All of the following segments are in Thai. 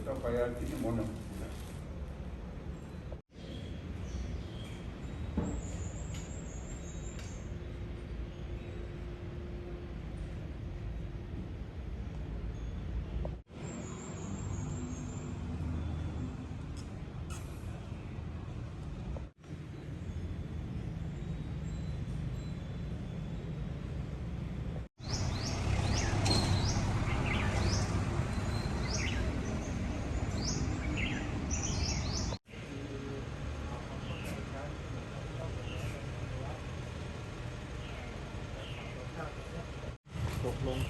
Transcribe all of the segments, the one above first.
ต้องไปที่นิมนต์ตกลง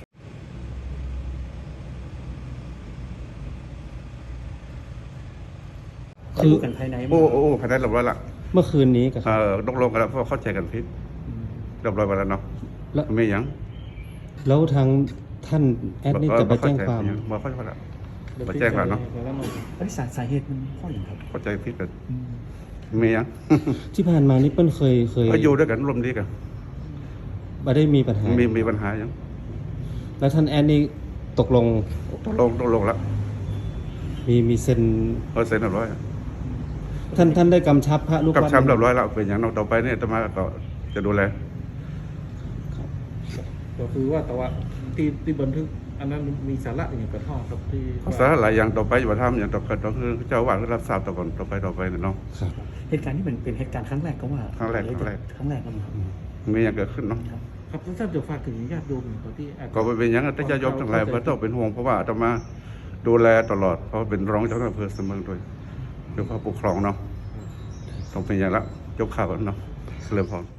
คือกันภายในโอ้ภายในเรียบร้อยละเมื่อคืนนี้กับตกลงกันแล้วเพราะเข้าใจกันผิดเรียบร้อยไปแล้วเนาะไม่ยังแล้วทางท่านแอดนี่จะไปแจ้งความมาเข้าใจแล้วมาแจ้งความเนาะสาเหตุมันเพราะอย่างครับเข้าใจผิดกันไม่ยังที่ผ่านมานี่เปิ้ลเคยก็อยู่ด้วยกันร่วมดีกันไม่ได้มีปัญหามีปัญหายังแล้วท่านแอดนี่ตกลงตกลงแล้วมีเซ็นเซ็นเรียบร้อยท่านได้กำชับพระลูกกับวัดช้ำเรียบร้อยแล้วเป็นอย่างต่อไปเนี่ยจะมาก็จะดูแลก็คือว่าแต่ว่าที่บันทึกอันนั้นมีสาระอย่างกระท่อครับที่สาระหลายอย่างต่อไปอย่าทำอย่างต่อไปก็คือเจ้าว่ารับทราบต่อก่อนต่อไปเนาะครับเหตุการณ์นี้เป็นเหตุการณ์ครั้งแรกก็ว่าครั้งแรกครับมีอย่างเกิดขึ้นเนาะครับท่านจะฝากถึงญาติโยมตอนที่ก็เป็นอย่างนั้นแต่จะยกทั้งหลายก็ต้องเป็นห่วงเพราะว่าจะมาดูแลตลอดเพราะเป็นรองเจ้าหน้าที่อำเภอเสมอด้วยโดยพระปกครองเนาะต้องเป็นอย่างละยกข่าวเนาะเสริมพร